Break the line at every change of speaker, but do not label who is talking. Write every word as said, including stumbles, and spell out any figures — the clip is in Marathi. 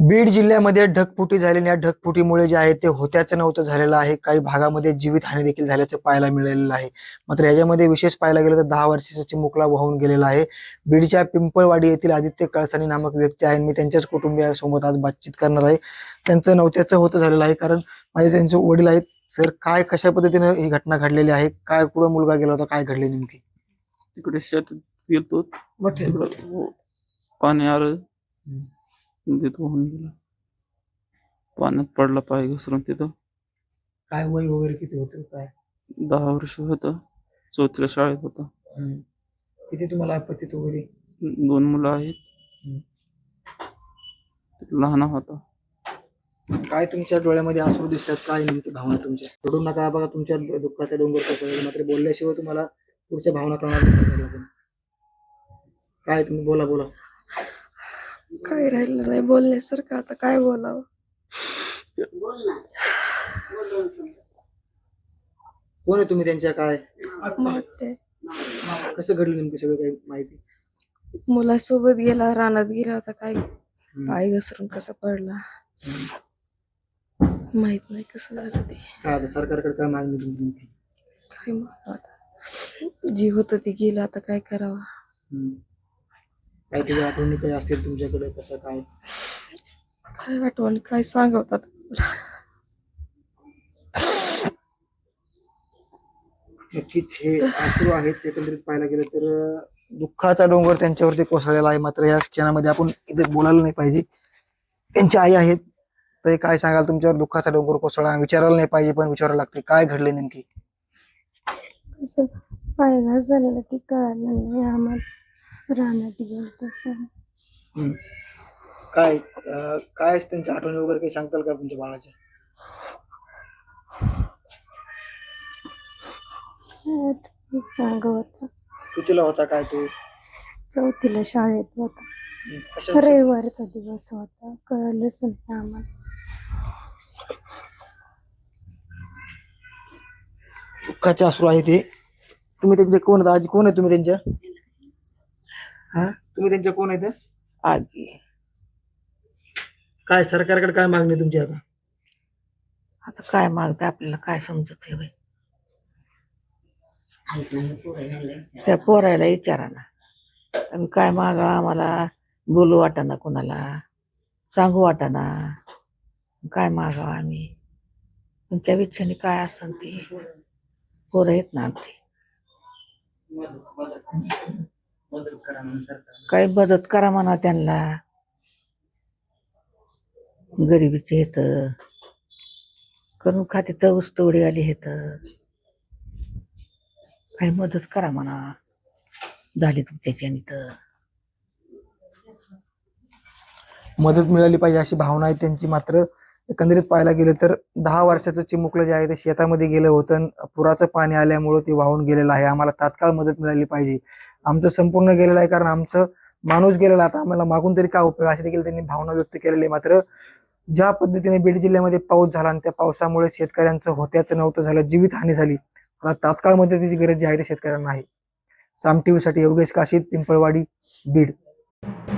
बीड जिल्ह्यामध्ये ढगफुटी झालेली या ढगफुटीमुळे जे आहे ते होत्याचं नव्हतं झालेलं आहे. काही भागामध्ये जीवितहानी देखील झाल्याचं पाहायला मिळालेलं आहे. मात्र याच्यामध्ये विशेष पाहायला गेलं तर दहा वर्षाचा चिमुकला वाहून गेलेला आहे. बीडच्या पिंपळवाडी येथील आदित्य कळसानी नामक व्यक्ती आहे. मी त्यांच्याच कुटुंबियासोबत आज बातचीत करणार आहे. त्यांचं नव्हत्याचं होतं झालेलं आहे, कारण माझे त्यांचे वडील आहेत. सर, काय कशा पद्धतीने ही घटना घडलेली आहे? काय पुढे मुलगा गेला होता, काय घडले नेमकी?
तिकडे शेतात गेलतो, तिकडं पाणी आलं, तिथं वाहून गेला. पाण्यात पडला पाय घसरून. तिथं
काय वय वगैरे किती होतं? काय
दहा वर्ष होतं, चौथीला शाळेत होता.
किती तुम्हाला आपत्तीत वगैरे?
दोन मुलं आहेत, लहान होता.
काय तुमच्या डोळ्यामध्ये अश्रू दिसतात? काय नेमकी भावना तुमच्या? रडू नका बघा, तुमच्या दुःखाचा डोंगर कोसळला. मात्र बोलल्याशिवाय तुम्हाला पुढच्या भावना कळणार नाही. काय तुम्ही बोला बोला.
काय राहिलं नाही बोलण्यासारखं, आता काय बोलावं?
कोण आहे तुम्ही त्यांच्या? काय
मग ते
कसं घडलं नेमकी सगळं काही माहिती?
मुलासोबत गेला, रानात गेला होता, काय पाय घसरून कसा पडला माहित नाही कसं झालं ते.
काय आता सरकारकडे काय मागणी तुमची नेमकी?
काय मग आता जीव होत ते गेलं, आता काय करावं?
काय त्याच्या आठवणी काही असतील तुमच्याकडे? कसं काय
काय आठवण काय सांगवतात?
नक्कीच हे अश्रू आहेत. एकंदरीत पाहायला गेलं तर दुःखाचा डोंगर त्यांच्यावरती कोसळलेला आहे. मात्र या क्षणामध्ये आपण इथे बोलायला नाही पाहिजे. त्यांची आई आहेत, तर काय सांगाल? तुमच्यावर दुःखाचा डोंगर कोसळला, विचारायला नाही पाहिजे पण विचारायला लागते. काय घडले नेमकी?
कसं पाय घास झालेला ती कळालं नाही आम्हाला. रानात गेलतो पण
काय अं, काय त्यांच्या आठवणी वगैरे काही सांगताल का तुमच्या बाळाच्या?
सांग होता.
कितीला होता काय तो?
चौथीला शाळेत होता.
कशा
रविवारचा दिवस होता, कळलंच नाही आम्हाला.
दुःखाचे अश्रू आहे ते. तुम्ही त्यांचे कोण आहेत? आजी कोण आहे तुम्ही त्यांच्या? हा, तुम्ही त्यांच्या कोण आहेत?
आजी.
काय सरकारकडे काय मागणी आहे तुमची आता?
आता काय मागते आपल्याला काय समजत आहे? त्या पोरायला विचारा ना. तुम्ही काय मागा, आम्हाला बोलू वाटाना, कोणाला सांगू वाटाना, काय मागावं आम्ही? पण त्या विचाराने काय असन ती पोरं आहेत ना आमची. काही मदत करा म्हणा त्यांना. गरिबीचे हेत करून खाते तर ऊसतोडी आली हेत. काही मदत करा म्हणा झाली तुमच्याच्याने तर.
मदत मिळाली पाहिजे अशी भावना आहे त्यांची. मात्र एकंदरीत पाहायला गेलं तर दहा वर्षाचं चिमुकलं जे आहे ते शेतामध्ये गेलं होतं. पुराचं पाणी आल्यामुळे ते वाहून गेलेलं आहे. आम्हाला तात्काळ मदत मिळाली पाहिजे. आमचं संपूर्ण गेलेलं आहे, कारण आमचं माणूस गेलेला, आता आम्हाला मागून तरी काय उपयोग, असे देखील त्यांनी भावना व्यक्त केलेली आहे. मात्र ज्या पद्धतीने बीड जिल्ह्यामध्ये पाऊस झाला आणि त्या पावसामुळे शेतकऱ्यांचं होत्याचं नव्हतं झालं, जीवितहानी झाली. आता तात्काळ मदतीची गरज जी आहे ते शेतकऱ्यांना आहे. साम टीव्हीसाठी योगेश काशीद, पिंपळवाडी, बीड.